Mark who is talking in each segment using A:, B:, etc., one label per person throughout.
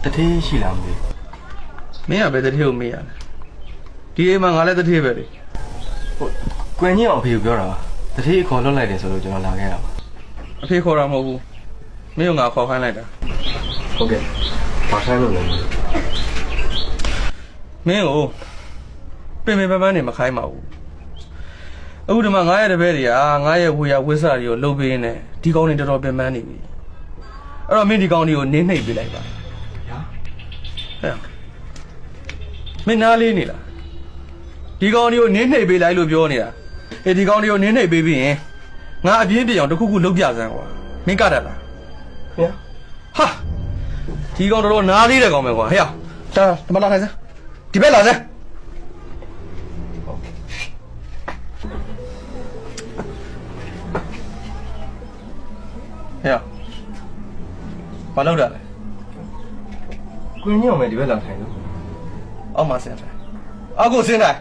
A: 天西凉的。
B: 没呀，别的天没呀。第一嘛，俺来的天别的。
A: 关键我朋友表了，这天考了来的时候就能拉开了。
B: 配考上么？没有俺考上来的。
A: OK，马上就能。
B: 没有，慢慢的嘛开嘛。အခုဒီမှာ900တပည့်တွေက900ဝေယဝစ်စာတွေကိုလှုပ်ပေးနေဒီကောင်းတွေတော်တော်ပြန်မှန်းနေပြီအဲ့တော့မင်းဒီကောင်းတွေကိုနင်းနှိပ်ပေးလိုက်ပါဗျာဟဲ့မင်းနားလေးနေလားဒီကောင်းတွေကိုနင်းနှိပ်ပေးလိုက်လို့ပြောနေတာအေးဒီကောင်းတွေကိုနင်းနှိပ်ပေးပြီးရင်ငါအပြင်းပြအောင်တစ်ခုခုလှုပ်ပြစမ်းကွာမင်းကတတ်လားဗျာဟာဒီကောင်းတော်တော်နားလေးတဲ့ကောင်းပဲကွာဟဲ့ဒါဒီမှာလာခိုင်းစမ်းဒီဘက်လာစမ်းဟဲ့ဘာလုပ်တာလဲ
A: 关键我们这边两台呢。
B: အောက်မှာဆင်းတယ်အောက်ကိုဆင်းတယ်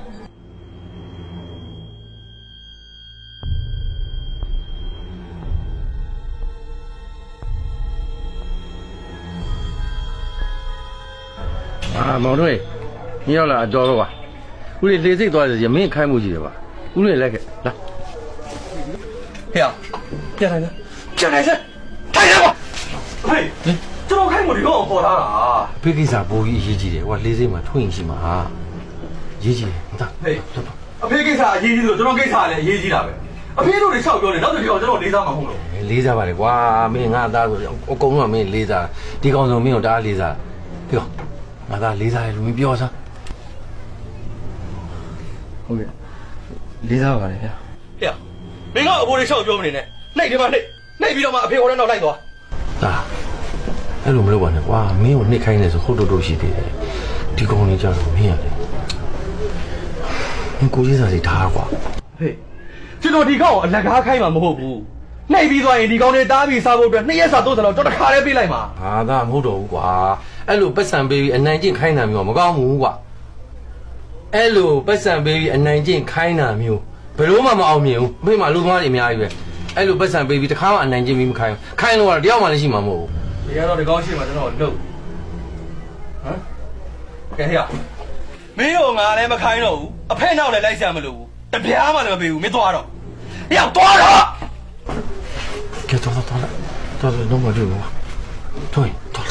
C: မောင်တို့ညရောက်လာတော်တော့ပါဦးလေးလေစိတ်သွားတယ်ရမင်းခိုင်းမှုကြီးတယ်ပါဦးလေးလိုက်ခဲ့လာ
B: ဟဲ့ပြန်လိုက်စမ်းပြန်လိုက်စမ်းထိုင်ရပါဟေးကျွန်တော်ခိုင်းမှုဒီကောင်ပေါ်လာတာ
C: ဖေးကိစ္စပိုကြီးအရေးကြီးတယ်ဟိုကလေစိတ်မှာထွင်ရှိမှာရေးကြီးတယ်ဟုတ်
B: ဟေးအဖေကိစ္စအရေးကြီးလို့ကျွန်တော်ကိစ္စလည်းအရေးကြီးတာပဲအဖေတို့တွေလျှောက်ပြောနေနောက်တစ်ခါကျွန်တော်လေးစားမှာမဟုတ်လို့
C: လေးစားပါလေကွာမင်းငါသားဆိုအကုန်လုံးကမင်းလေးစားဒီကောင်ဆိုမင်းတို့တအားလေးစားပြောငါသားလေးစားတယ်လူမင်းပြောစမ်း
A: ဟုတ်ကဲ့လေးစားပါလေဗျာ
B: ဟဲ့မင်းကအဖိုးတွေလျှောက်ပြောမနေနဲ့နှိပ်ဒီမှာနှိပ်ပြီးတော့မှအဖေဟိုထဲနောက်လိုက်သွား
C: ဒါအဲ့လိုမလုပ်ပါနဲ့ကွာမင်းကိုနှိပ်ခိုင်းနေဆိုဟုတ်တော့ရှိသေးတယ်ဒီကောင်လေးကြတော့မင်းရတယ်မင်းကိုကြီးစားစီထားကွာ
B: ဟေးကျွန်တော်ဒီကောင်ကိုအလက်ကားခိုင်းမှာမဟုတ်ဘူးနှိပ်ပြီးသွားရင်ဒီကောင်တွေတားပြီးစားဖို့အတွက်2ရက်စာ3ရက်လောက်တော့တစ်ခါတည်းပေးလိုက်မှာ
C: ဟာဒါမဟုတ်တော့ဘူးကွာအဲ့လိုပတ်စံပေးပြီးအနိုင်ကျင့်ခိုင်းတာမျိုးမကောင်းဘူးကွာအဲ့လိုပတ်စံပေးပြီးအနိုင်ကျင့်ခိုင်းတာမျိုးဘယ်လို့မှမအောင်မြင်ဘူးမိမလူသမားတွေအများကြီးပဲအဲ့လိုပတ်စံပေးပြီးတစ်ခါမှအနိုင်ကျင့်ပြီးမခိုင်းဘူးခိုင်းလို့ကတော့တယောက်မှလည်းရှိမှာမဟုတ်ဘူး
B: ဒီကတော့ဒီကောင်ရှိမှကျွန်တော်လှုပ်ဟမ်ကဲဟဲ့မင်းတို့ငါလည်းမခိုင်းတော့ဘူးအဖေနောက်လည်းလိုက်ဆရာမလို့ဘူးတပြားမှလည်းမပေးဘူးမင်းသွားတော့ဟဲ့သွားတော့
C: ကဲတော့တော့မလို့ကွာထွင်တော့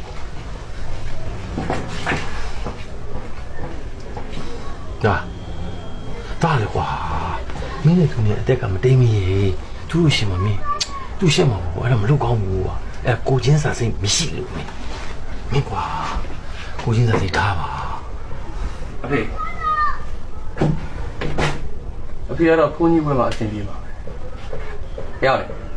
C: ဒါလေကွာမင်းနဲ့သူနဲ့အသက်ကမတိမ်မရေသူ့ရှင်မမင်းသူ့ရှက်မှာပေါ့အဲ့ဒါမလုပ်ကောင်းဘူးကွာအဲ့ကိုချင်းစာစိတ်မရှိလို့မင်းကွာကိုချင်းစာစိတ်ထားပါ
B: အဖေကတော့ဖုန်းကြီးဘွဲမှာအဆင်ပြေပါပဲဟဲ့